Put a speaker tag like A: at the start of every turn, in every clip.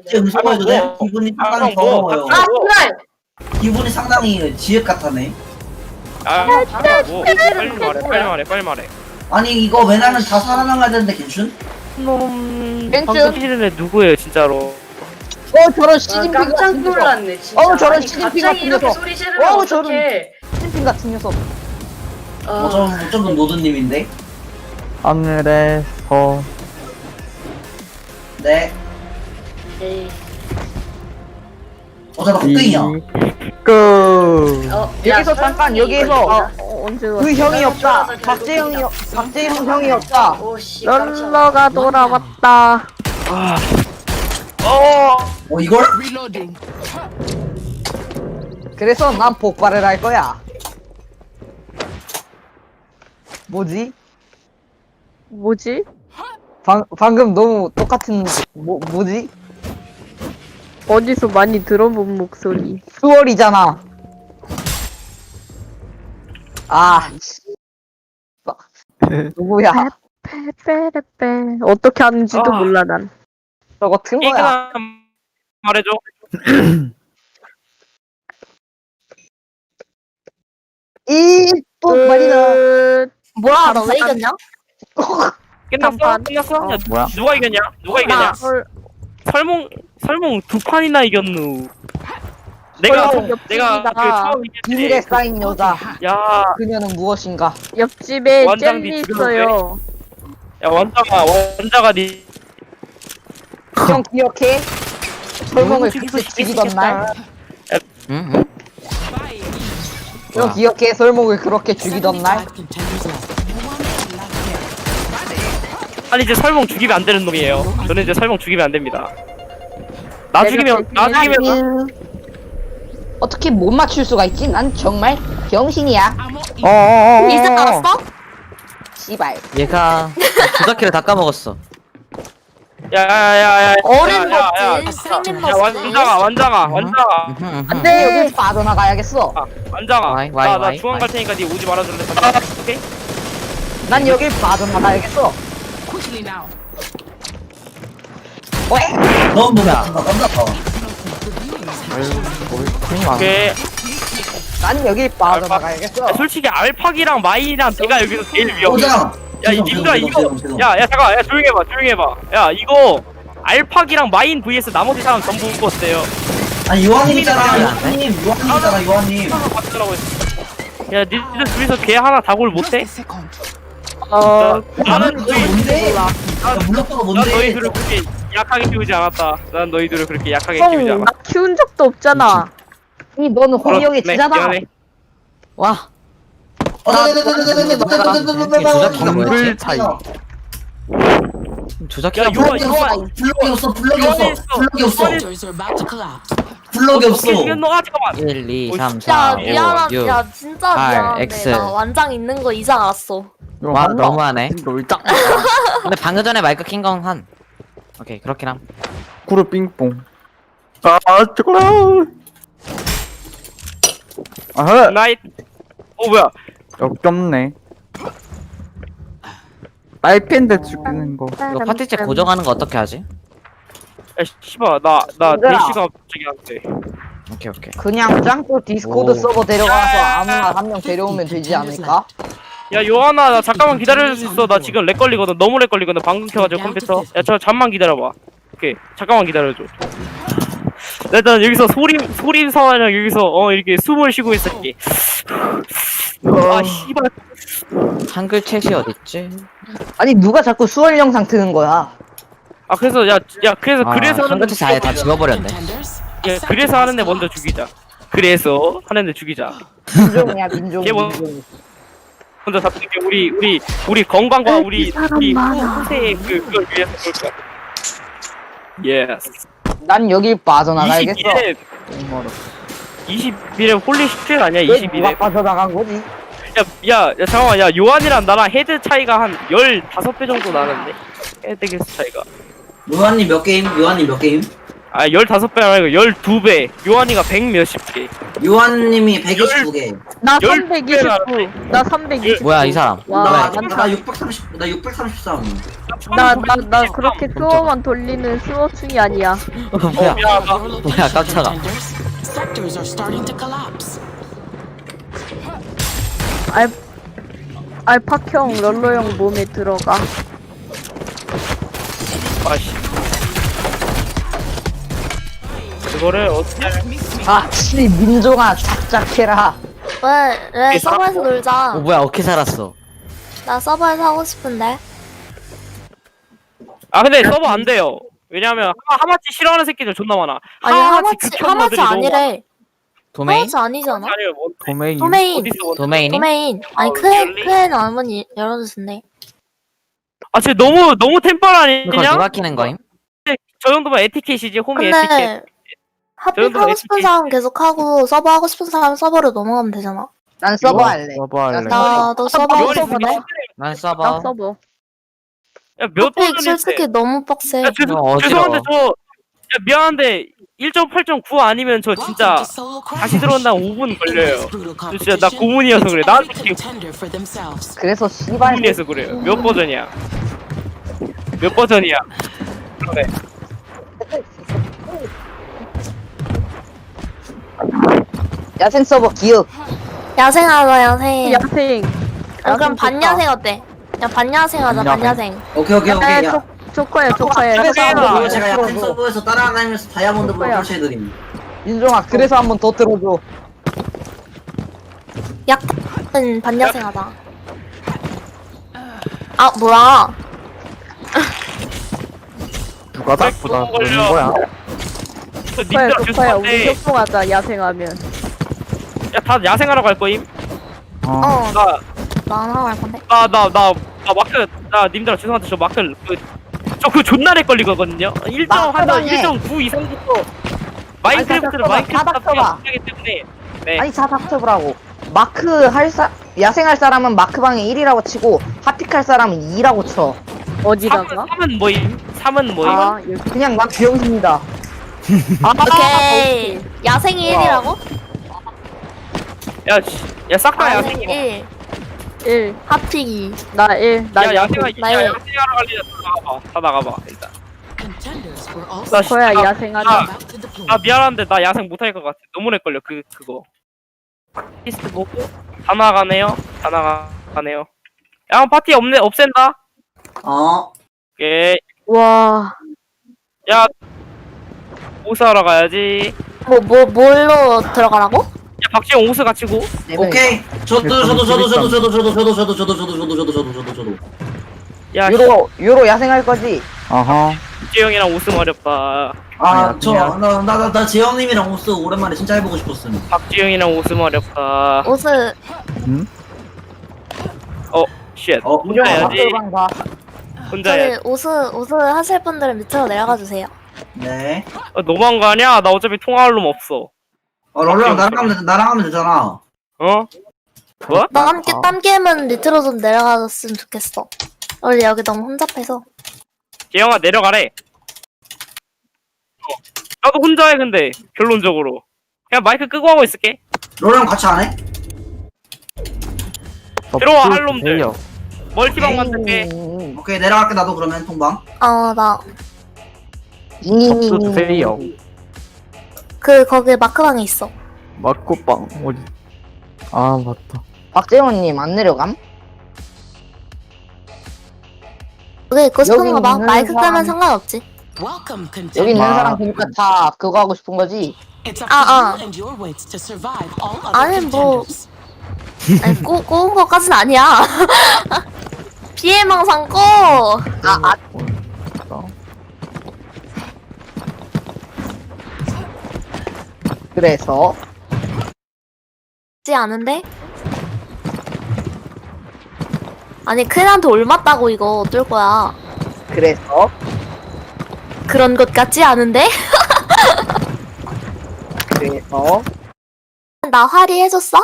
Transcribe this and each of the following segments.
A: 진짜 의심해도 돼? 기분이 상당히 더러워요.
B: 아, 그래!
A: 기분이 상당히 지읒 같다네.
C: 뭐 빨리 말해.
A: 아니 이거 왜냐면 다 살아나가야 되는데 괜춘?
C: 놈
D: 벤츠.
C: 방금 시즌 애 누구예요 진짜로?
D: 저런
B: 아,
D: 시진핑
B: 깜짝
D: 같은 녀석.
B: 놀랐네, 진짜.
D: 저런
B: 아니,
D: 시진핑
B: 갑자기
D: 같은
B: 이렇게
D: 녀석.
B: 소리 지르면
D: 저런
B: 어떡해.
D: 시진핑 같은 녀석.
A: 어쩌면 노드님인데?
E: 하늘에서
A: 네.
B: 에이.
A: 어쩌다 흑등이야.
E: 그
D: 여기서 잠깐 여기에서
F: 언제
D: 그 형이 없다.
B: 결혼하자,
D: 박재형
B: 결혼하자.
D: 형이 없다.
B: 오, 씨, 깜짝이야.
F: 널러가 돌아왔다.
A: 이걸?
D: 그래서 난 폭발을 할 거야. 뭐지?
F: 뭐지?
D: 방금 너무 똑같은 뭐지?
F: 어디서 많이 들어본 목소리.
D: 수월이잖아. 아, 누구야?
F: 빼빼빼빼. 어떻게 하는지도
C: 아.
F: 몰라 난.
D: 저거 튼 거야.
C: 얘기나 말해줘.
D: 또 말이다.
B: 뭐야, 너 왜 이겼냐?
C: 끝났어?
F: 잠깐.
C: 끝났어? 야,
E: 뭐야?
C: 누가 이겼냐? 누가 이겼냐?
F: 헐.
C: 설몽 두 판이나 이겼누. 내가
F: 옆집이다.
C: 그 처음
D: 비밀에
C: 이겼지.
D: 쌓인 여자.
C: 야
D: 그녀는 무엇인가?
F: 옆집에
C: 완장
F: 젤리
C: 뒤
F: 있어요.
C: 야 원자가 니
D: 형 기억해? 설몽을 그때 죽이던 날?
E: 응?
D: 형 기억해? 설몽을 그렇게 죽이던 날?
C: 아니 이제 설몽 죽이면 안 되는 놈이에요. 저는 이제 설몽 죽이면 안 됩니다. 나 죽이면
D: 어떻게 못 맞출 수가 있지? 난 정말 병신이야.
E: 이제
B: 알았어?
D: 씨발.
E: 얘가 조작기를 다 까먹었어.
C: 야야야야
B: 어른 먹지, 생긴 먹지.
C: 원장아
D: 안돼. 여기 빠져나가야겠어.
C: 원장아
E: 와이,
C: 나 중앙 갈 테니까 니 오지 말아줄래? 오케이?
D: 난 여길 빠져나가야겠어. 왜?
A: 넌 뭐야? 깜짝아.
C: 오케이.
D: 난 여길 빠져나가야겠어.
C: 야, 솔직히 알팍이랑 마이랑 내가 여기서 제일 위험해.
A: 오장.
C: 야, 이 님들아 이거 야 잠깐 조용히 해봐. 야, 이거 알팍이랑 마인 vs 나머지 사람 전부 웃었대요.
A: 아니 요한님이잖아. 요한님.
C: 맞더라고. 야, 니들 둘이서 걔 하나 다골 못해? 나는
A: 뭔데? 야 물러서가
C: 난
A: 뭔데?
C: 너희들을 그렇게 약하게 키우지 않았다. 난 너희들을 그렇게 약하게 키우지
F: 형,
C: 않았다.
F: 나 키운 적도 없잖아.
D: 이 너는 홍영의 지잖아.
C: 미안해.
E: 와.
A: 조작기가
E: 뭐였지?
A: 차이.
E: 조작기가
C: 야,
E: 뭐야?
A: 블럭이 없어. 블럭이
C: 오케이,
A: 없어.
C: 이건 너가 잠깐만.
E: 1, 2, 3,
G: 야
E: 4, 5,
G: 미안한
E: 6.
G: 야 진짜
E: R,
G: 미안한데
E: X.
G: 나 완장 있는 거 이제 알았어.
E: 와 너무하네. 근데 방금 전에 마이크 킨 건 한. 오케이 그렇긴 함.
H: 구르 빙뽕.
E: 초콜릿.
H: 아하,
C: 나이. 뭐야?
H: 역겹네. 딸핀데 죽이는 거.
E: 이거 파티체 고정하는 거 어떻게 하지?
C: 야, 씨발 나
D: 얘들아.
C: 대시가 갑자기 안 돼.
E: 오케이.
D: 그냥 짱구 디스코드
E: 오.
D: 서버 데려가서 아무나 한 명 데려오면 되지 않을까?
C: 야 요하나 나 잠깐만 기다려줄 수 있어. 나 지금 렉 걸리거든. 너무 렉 걸리거든. 방금 켜가지고 컴퓨터. 야 저 잠만 기다려봐. 오케이 잠깐만 기다려줘. 일단 여기서 소림 사와랑 여기서 이렇게 숨을 쉬고 있을게. 아 씨발.
E: 한글 챗이 어딨지?
D: 아니 누가 자꾸 수월 영상 트는 거야?
C: 아 그래서 그래서
E: 한글
C: 하는데
E: 챗이 아예 다 지워버렸네.
C: 그래서 하는데 먼저 죽이자. 그래서 하는데 죽이자.
D: 민종이야 민종.
C: 걔 뭐- 먼저 잡는 게 우리 건강과 우리 후세의 그걸 위해서 그럴 거야. 예스.
D: 난 여길 빠져나가야겠어.
C: 21에 홀리 시트 아니야?
D: 왜 누가
C: 21에.
D: 빠져나간 거지?
C: 야 잠깐만. 야 요한이랑 나랑 헤드 차이가 한 15배 정도 나는데. 헤드 개수 차이가.
A: 요한님 몇 게임?
C: 아 15배 아니고 12배. 요한이가 100 몇십 개.
A: 요한님이 129개.
F: 나
C: 열
F: 329. 나 329.
E: 뭐야 이 사람?
F: 와,
A: 나 633.
F: 나 그렇게 수어만 돌리는 수어충이 아니야.
E: 뭐야? 뭐야 깜짝아.
I: Sectors are starting to collapse.
F: 알파형 럴러형 몸에 들어가.
C: 아씨. 그거를 어떻게
D: 아, 치 민종아 작작해라.
G: 왜 서버에서 놀자.
E: 뭐야 어떻게 살았어?
G: 나 서버에서 하고 싶은데.
C: 아 근데 서버 안 돼요. 왜냐면 하마치 싫어하는 새끼들 존나 많아.
G: 아니 하마치
C: 극혐녀들이 너무
G: 아니래.
E: 도메인?
G: 하마치 아니잖아.
C: 아니요 뭐
H: 도메인.
G: 도메인.
C: 어디서
E: 도메인이?
G: 도메인. 아니 크엔 한번 열어주신대.
C: 아 진짜 너무 템빨
E: 그걸
C: 아니냐?
E: 누가 키는 거임?
C: 저 정도면 에티켓이지 홈이 에티켓.
G: 근데 핫픽
C: 저희도
G: 하고 싶은
C: SK.
G: 사람 계속 하고 서버 하고 싶은 사람 서버로 넘어가면 되잖아.
D: 난 서버 할래.
H: 서버 할래.
G: 나도 서버 하고
C: 요한이
G: 싶은데.
E: 난
F: 나
E: 서버.
F: 서버.
C: 야몇
G: 핫픽
C: 버전인데?
G: 솔직히 너무 빡세.
C: 야
E: 어지러워.
C: 죄송한데 야 미안한데 1.8.9 아니면 저 진짜 다시 들어온다 5분 걸려요. 저 진짜 나 고문이어서 그래. 나한테 지금
D: 그래서 씨발
C: 고문이어서 그래요. 몇 버전이야? 몇 버전이야? 그러네.
D: 야생 서버 기억.
G: 야생하자 야생.
F: 야생.
G: 아, 그럼 반야생 어때? 야 반야생 하자 반야생.
A: 오케이.
F: 야,
A: 야.
F: 조커야.
A: 그리고 제가 야생 서버에서 따라다니면서 다이아몬드로 설치해드림.
D: 민종아 그래서 한번 더 들어줘.
G: 약은 반야생 하자. 아 뭐야?
H: 누가 닭보다 그러는 거야?
C: 저 님들
F: 조커야. 우리
C: 죄송한데
F: 협동하자. 야생하면.
C: 야다 야생하러 갈 거임?
G: 어,
C: 나
G: 나 하나 할 건데.
C: 마크 나 님들아 죄송한데 저 마크 그 존나 렉 걸리거든요. 1.9 이상부터 마인크래프트를
D: 닥쳐봐.
C: 하기 때문에 네.
D: 아니 다 닥쳐보라고. 마크 야생할 사람은 마크방에 1이라고 치고 핫픽 할 사람은 2라고 쳐.
F: 어디다가?
C: 3은 뭐임? 3은 뭐임?
F: 아, 여기.
D: 그냥 난 비용입니다.
G: 오케이. 야생이 1이라고?
C: 야 싹 다 야생이
G: 1.
F: 1.
G: 핫픽이.
F: 나 1. 나
C: 야 야생하러
G: 나의-
C: 갈래 다 나가봐 일단.
I: Contenders were
C: 나
I: also
F: 조커야
C: 진짜-
F: 야생하자.
I: about to deploy.
C: 아 미안한데 나 야생 못할 것 같아. 너무 렉 걸려 그거. 피스트 보고 다 나가네요. 다 나가네요. 야 파티 없앤다. 예.
F: 와.
C: 야 오스하러 가야지.
G: 뭘로 들어가라고?
C: 야 박지영 오스 같이고.
A: 오케이. 저도.
C: 야
D: 유로 야생할 거지.
H: 아하.
C: 박지영이랑 오스 어렵다.
A: 나 재영님이랑 오스 오랜만에 진짜 해보고 싶었음.
C: 박지영이랑 오스 어렵다.
G: 옷을
C: 쉣. 혼자
D: 유로
C: 해야지.
D: 마크방 봐.
C: 혼자
G: 저기
C: 해야지.
G: 옷을 하실 분들은 밑으로 내려가 주세요.
A: 네.
C: 너무한 거 아니야? 나 어차피 통화할 놈 없어.
A: 럴러랑 나랑 하면 되잖아.
C: 어? 뭐?
G: 나 함께 땀 게임은 밑으로 좀 내려가줬으면 좋겠어. 원래 여기 너무 혼잡해서.
C: 재영아 내려가래. 나도 혼자 해 근데 결론적으로. 그냥 마이크 끄고 하고 있을게.
A: 럴러랑 같이 안 해?
C: 들어와, 할 놈들. 멀티방 만들게.
A: 오케이 내려갈게 나도 그러면 통방.
G: 나
H: 또 드세요.
G: 거기 마크방에 있어.
H: 마코빵 어디? 아 맞다.
D: 박재원님 안 내려감?
G: 여기 있고 싶은
D: 여기
G: 거 봐.
D: 있는
G: 마이크 끄면
D: 사람-
G: 상관없지.
I: Welcome,
D: 여기 있는
H: 와.
D: 사람 보니까 다 그거 하고 싶은 거지.
I: It's up to you and your wits to survive all other
G: 아니, 뭐.
I: contenders.
G: 아니 꼬운 거까진 아니야. 피해망상 꼬.
D: 그래서
G: 지 않은데? 아니 큰한테 올맞다고 이거 어쩔 거야.
D: 그래서
G: 그런 것 같지 않은데? 나 화리 해줬어?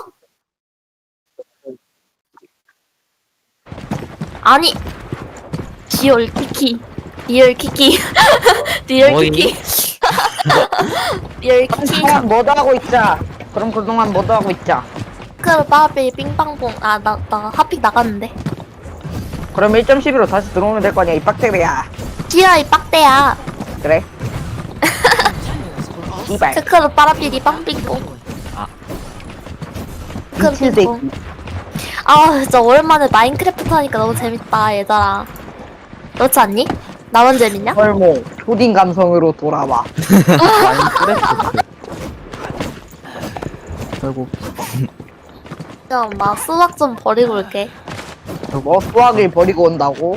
G: 아니 리얼 키키 리얼 키키 리얼
E: 뭐임?
G: 키키 열키
D: 그동안 뭐도 하고 있자. 그럼 그동안 뭐도 하고 있자.
G: 크로 빠삐 빙빵봉. 아 나 핫픽 나갔는데.
D: 그럼 1.11로 다시 들어오면 될 거 아니야 이 빡대기야.
G: 지라 이 빡대야.
D: 그래.
I: Contenders were all
D: 이발.
G: 크크로 빠라삐리 빵빙봉.
D: 미친 새끼.
G: 아 진짜 오랜만에 마인크래프트 하니까 너무 재밌다 얘들아. 그렇지 않니? 나만 재밌냐?
D: 설모 초딩 감성으로 돌아와.
H: 결국
G: 그냥 막 수학 좀 버리고 올게.
D: 뭐 수학을 버리고 온다고?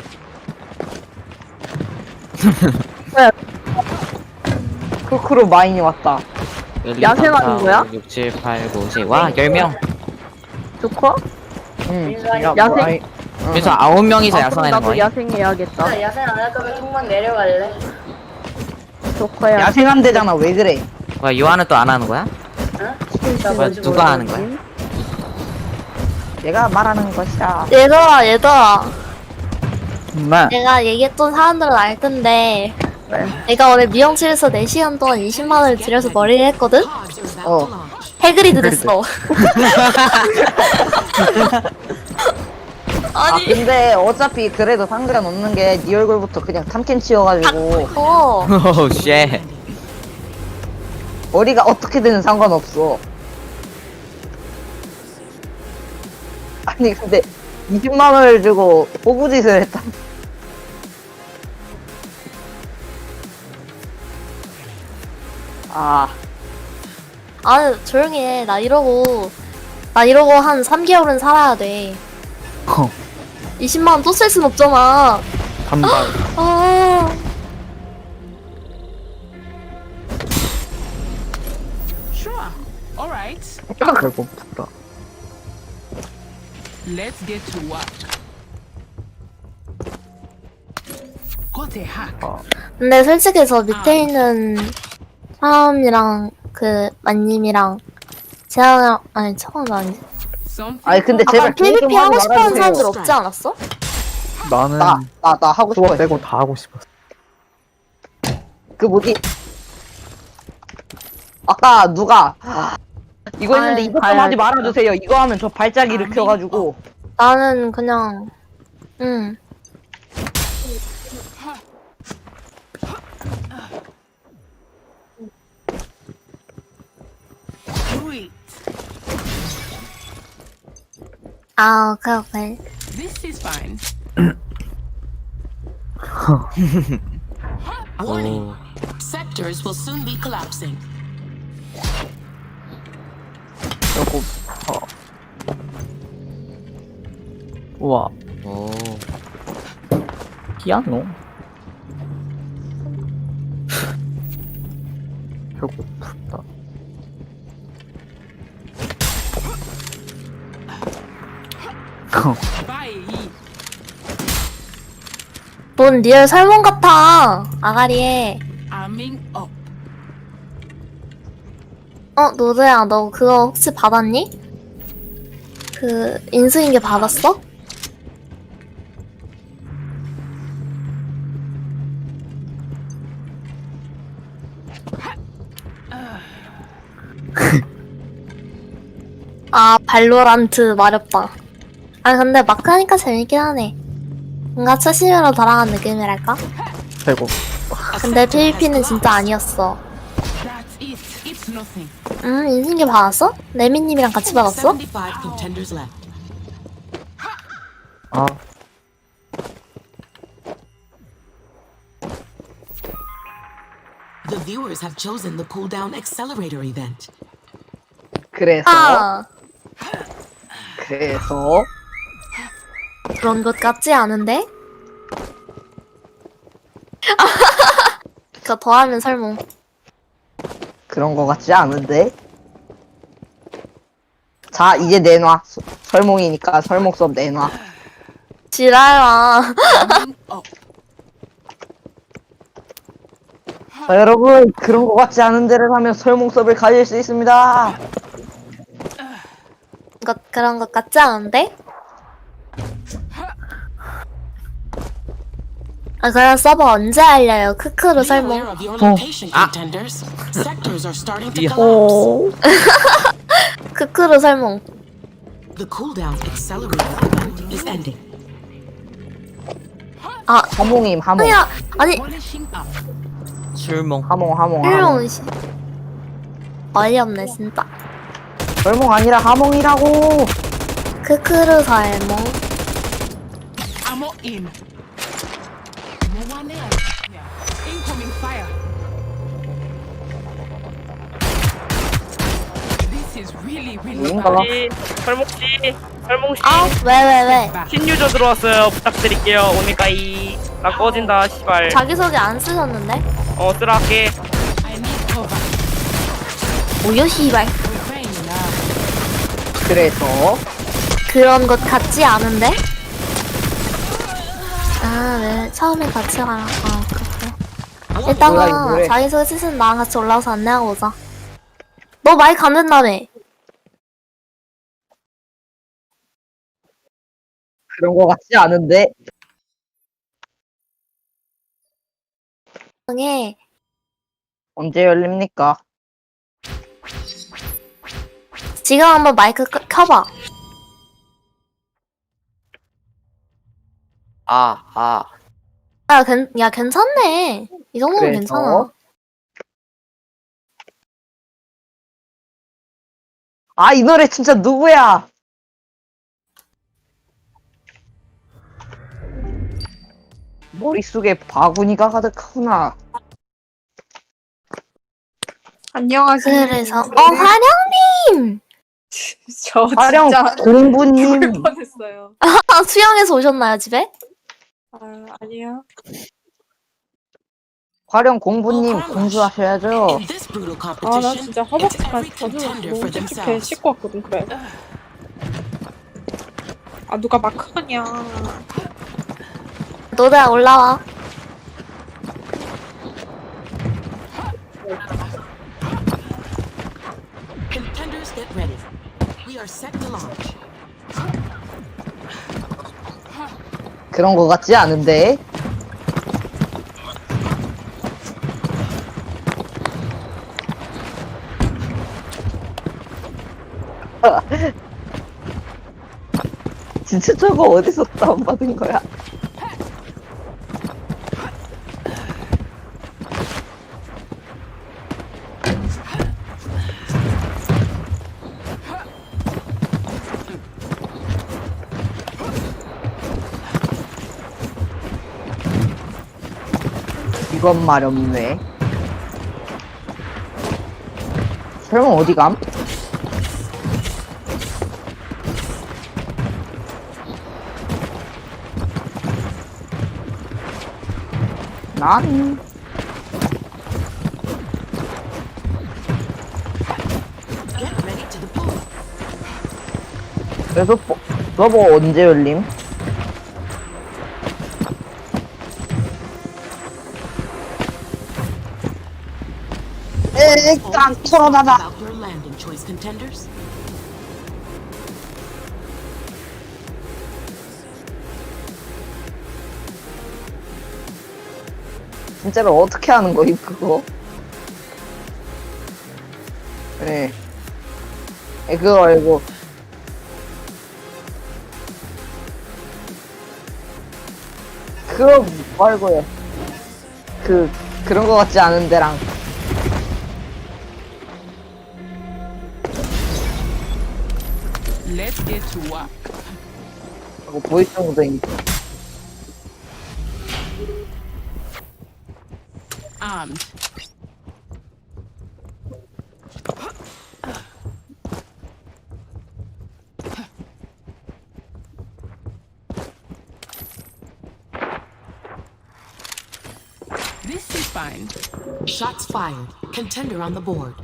D: 크크로 마인이 왔다.
F: 야생하는 거야?
E: 6, 7, 8, 9, 10. 와, 10명.
F: 좋고?
D: 응.
F: 야생?
E: 그래서 9명이서
F: 아, 그럼
E: 야생하는
F: 나도
E: 거야.
F: 야생해야겠다.
B: 야생 안 할 거면 통만 내려갈래?
F: 좋고야.
D: 야생한 데잖아 왜 그래?
E: 뭐야, 요한은 또 안 하는 거야? 뭐야, 누가 하는 거야?
D: 내가 말하는 것이다.
G: 얘들아
H: 정말
G: 내가 얘기했던 사람들은 알 텐데 내가 오늘 미용실에서 4시간 동안 20만원을 들여서 머리를 했거든?
I: pods are about
D: Oh.
I: to launch.
G: 해그리드 됐어.
D: 아
G: 아니
D: 근데 어차피 그래도 상관없는 게 네 얼굴부터 그냥 탐켄 치여가지고
E: 오, 쉣.
D: 머리가 어떻게든 상관없어. 아니 근데 20만 원을 주고 호구짓을 했다. 아
G: 아니 조용히 해. 나 이러고 한 3개월은 살아야 돼. 20만원 또 쓸 순 없잖아.
H: 단발.
G: 아
I: Sure. All right.
H: 배고프다.
I: Let's get to work. Got a hack.
G: 근데 솔직히 저 밑에 있는 사람이랑 그 만님이랑 재앙이랑 아니 처음 아니지.
I: Something.
D: 아니 근데
G: 아까
D: 제발 그거 좀
G: PVP 하고
D: 하지
G: 싶어하는
D: 말아주세요.
G: 사람들 없지 않았어?
H: 나는
D: 나 하고
H: 수업
D: 싶어.
H: 빼고 다 하고 싶었어.
D: 그 뭐지? 아까 누가 이거 했는데
F: 아이,
D: 이것 좀
F: 가야겠다.
D: 하지 말아주세요. 이거 하면 저 발작 일으켜가지고
G: 나는 그냥 응.
I: Do it.
G: 아 오케이.
I: This is fine. Warning. Sectors will soon be collapsing.
H: 배고파. 우와,
E: 오.
H: 피아노? 배고프다.
I: Bye.
G: 뭔 리얼 설몽 같아. 아가리에.
I: Arming up.
G: 노드야 너 그거 혹시 받았니? 그 인수인계 받았어? 아 발로란트 마렵다. 아 근데 마크 하니까 재밌긴 하네. 뭔가 초심으로 돌아간 느낌이랄까?
H: 배고.
G: 근데 PVP는 진짜 아니었어.
I: That's it. It's nothing.
G: 인수인계 받았어? 레미님이랑 같이 받았어?
I: 75 contenders left.
H: 아,
I: The viewers have chosen the cooldown accelerator event.
D: 그래서
G: 아
D: 그래서
G: 그런 것 같지 않은데? 그거 더하면 설몽.
D: 그런 거 같지 않은데. 자 이제 내놔. 설몽이니까 설몽 수업 내놔.
G: 지랄아.
I: Arming up.
D: 자, 여러분 그런 거 같지 않은 데를 하면 설몽 수업을 가질 수 있습니다.
G: 그런 것 같지 않은데? 아, 그럼 서버 언제 알려요? 크크로
I: Be aware
G: 설명.
I: of your location, contenders. Sectors are starting to collapse.
F: 오.
G: 크크로 설명.
I: The cooldown accelerator event is ending.
G: 아,
D: 하몽임 하몽.
G: 아니야. 아니,
E: 출몽.
D: 하몽.
G: 일용 씨. 어이없네, 진짜.
D: 설몽 아니라 하몽이라고.
G: 크크로 설명.
I: Ammo in. No one there. Incoming fire. This is really
D: 뭔가 봐.
C: 설몽씨
G: 아, 왜?
C: 신유저 들어왔어요. 부탁드릴게요. 오니까이 나 꺼진다 씨발.
G: 자기소개 안 쓰셨는데?
C: 쓰라 할게.
I: I need cover.
G: 뭐야, 씨발.
I: Refrain now.
D: 그래서
G: 그런 것 같지 않은데? 아, 왜? 처음에 같이 가라. 아, 그렇게.
D: 뭐야,
G: 이따가
D: 이거 뭐래.
G: 자기소개 쓰신 나랑 같이 올라와서 안내하고 오자. 너 마이크 안 된다며?
D: 그런 거 같지 않은데.
G: 에
D: 언제 열립니까?
G: 지금 한번 마이크 켜봐. 야, 괜찮네. 이 정도면
D: 그래서?
G: 괜찮아.
D: 아, 이 노래 진짜 누구야? 머릿속에 바구니가 가득하구나.
J: 안녕하세요.
G: 그래서 화령님!
J: 저
D: 화령
J: 진짜
D: 공부님.
J: 죽을 뻔했어요.
G: 수영해서 오셨나요, 집에?
J: 아, 아니요.
D: 화령 공부님 공수하셔야죠.
I: In this brutal
J: 아, 나
I: competition,
J: 진짜
I: it's
J: 허벅지까지
I: every
J: 젖어서
I: contender
J: 너무
I: for
J: 찝찝해.
I: themselves.
J: 씻고 왔거든, 그래. 아, 누가 마크하냐.
G: 너네 올라와.
I: Contenders get ready. We are set to launch.
D: 그런 거 같지 않은데. 진짜 저거 어디서 다운받은 거야? 이건 말없네. 설마 어디 감? 난
I: Get ready to deploy.
D: 그래서 서버 언제 열림? 에이, 깡토로나다.
I: About your landing choice, contenders.
D: 진짜로 어떻게 하는 거임 그거? 네. 그거 알고. 그거 말고요. 그런 거 같지 않은 데랑.
I: Let's get to work.
D: 뭐 보이스 모드인.
I: Armed. This is fine. Shots fired. Contender on the board.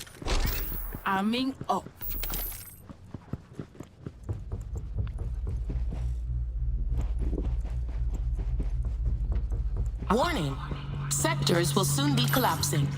I: Arming up. Warning. Sectors will soon be collapsing.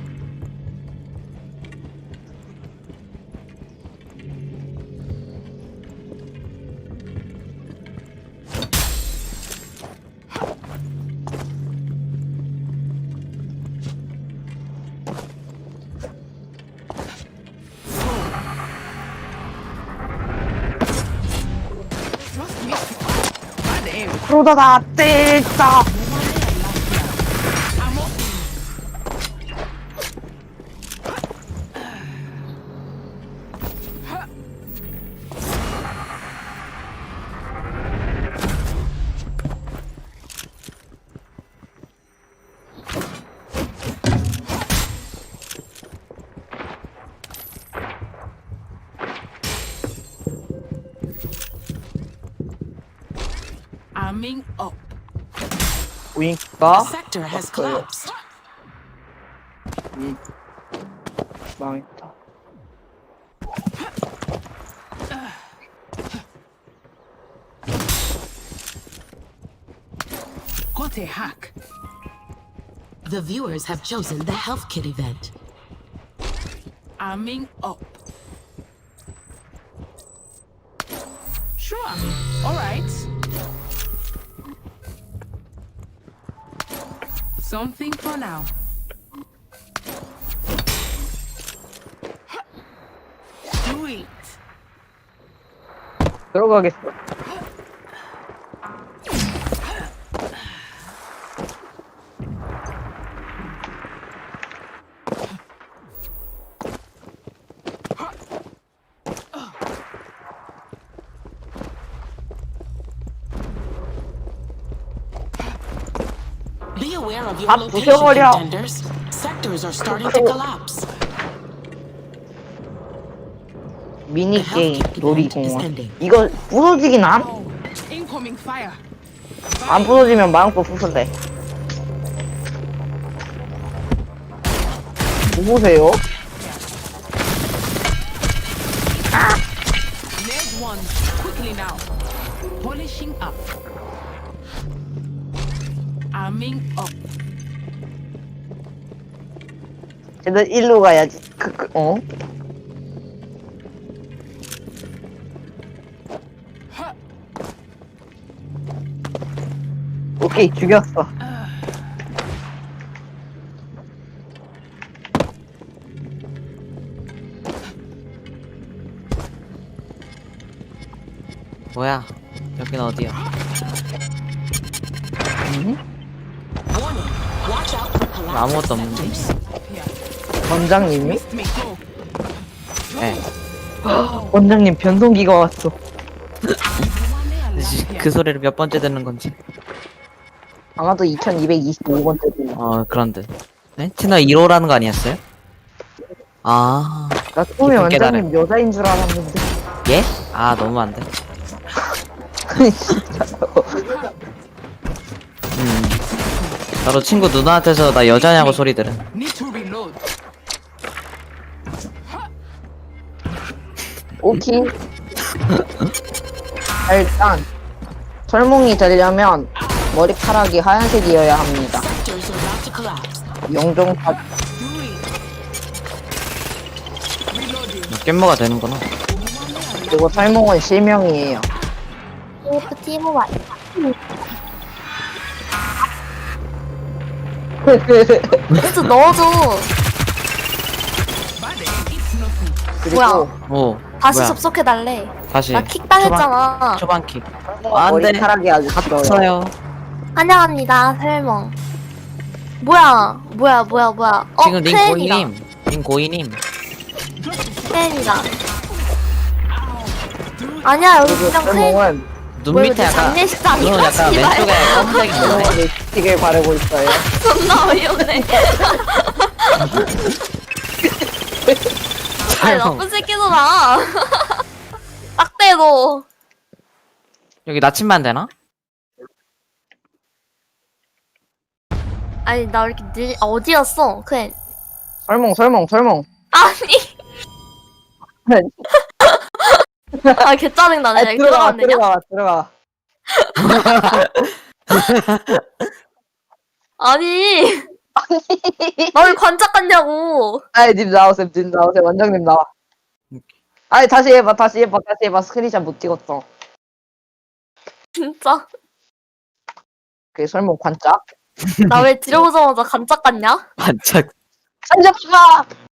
D: 그러다가 떼자.
I: Arming up.
D: 보니까
I: The sector has collapsed.
D: 망했다.
I: Got a hack. The viewers have chosen the health kit event. Arming up. Sure. All right. Something for now. Do it.
D: 들어가겠어.
I: Be aware of your
D: 다
I: location,
D: 부셔버려.
I: contenders. Sectors are starting to collapse.
D: 미니 게임 놀이공원. 이거 부서지긴 안?
I: Incoming fire.
D: 안 부서지면 마음껏 부술래. 뭐 보세요?
I: Ned one. Quickly now. Polishing up. Arming up.
D: 쟤들 일로 가야지. 어? 오케이, 죽였어.
E: 뭐야? 여긴 어디야?
I: Warning. Watch out for collapsing
E: 아무것도 없는데?
I: sectors.
D: 원장님이?
I: Missed me. Go.
E: 네.
D: 원장님 변동기가 왔어.
E: 그 소리를 몇 번째 듣는 건지.
D: 아마도 2225번째 들
E: 그런데. 네? 채널 1호라는 거 아니었어요? 아,
D: 나 처음에
E: 깊은 깨달음.
D: 원장님 여자인 줄 알았는데.
E: 예? 아, 너무 안 돼.
D: 진짜로.
E: 나도 친구 누나한테서 나 여자냐고 소리 들은.
I: Need to reload.
D: 오케이. 일단 설몽이 되려면 머리카락이 하얀색이어야 합니다.
I: Sectors are about to collapse.
D: 영종파
I: Do it. Reloading.
E: 깻모가 되는구나.
D: 그리고 설몽은 실명이에요.
G: 그 팀은 와. 그래서 넣어줘.
I: Bad aim. It's nothing.
D: 그리고
G: 뭐야?
E: 오.
G: 다시
E: 뭐야?
G: 접속해달래.
E: 다시.
G: 나 킥 당했잖아.
E: 초반 킥.
D: 머리카락이 아주 길어요.
E: 없어요.
G: 환영합니다, 설몽. 뭐야?
E: 지금 링
G: 크랜이다.
E: 고이님. 링 고이님.
G: 크랜이다. 아니야, 여기
D: 그리고
G: 그냥 크랜.
D: 설몽은
E: 눈
G: 뭐야,
E: 밑에
G: 이거
E: 약간.
G: 장례식장이야,
E: 눈은 약간
G: 씨발.
E: 왼쪽에 검은색이 있는데.
D: 설몽은 립스틱을 바르고 있어요.
G: 존나 어이없네. 아니, 나쁜 새끼들아. 딱 대고.
E: 여기 나침반 되나?
G: 아니, 나 왜 이렇게 어디였어? 크랜.
D: 설몽.
G: 아니. 아, 개 짜증나네.
D: 아,
G: 여기 들어가면 되냐?
D: 들어가.
G: 아니 나 왜 관짝 같냐고.
D: 아이, 님 나오세요, 원장님 나와. 아니, 다시 해봐. 스크린샷 못 찍었어.
G: 진짜
D: 그게 설마 관짝?
G: 나 왜 들어오자마자 관짝 같냐?
E: 반짝.
D: 관짝 봐!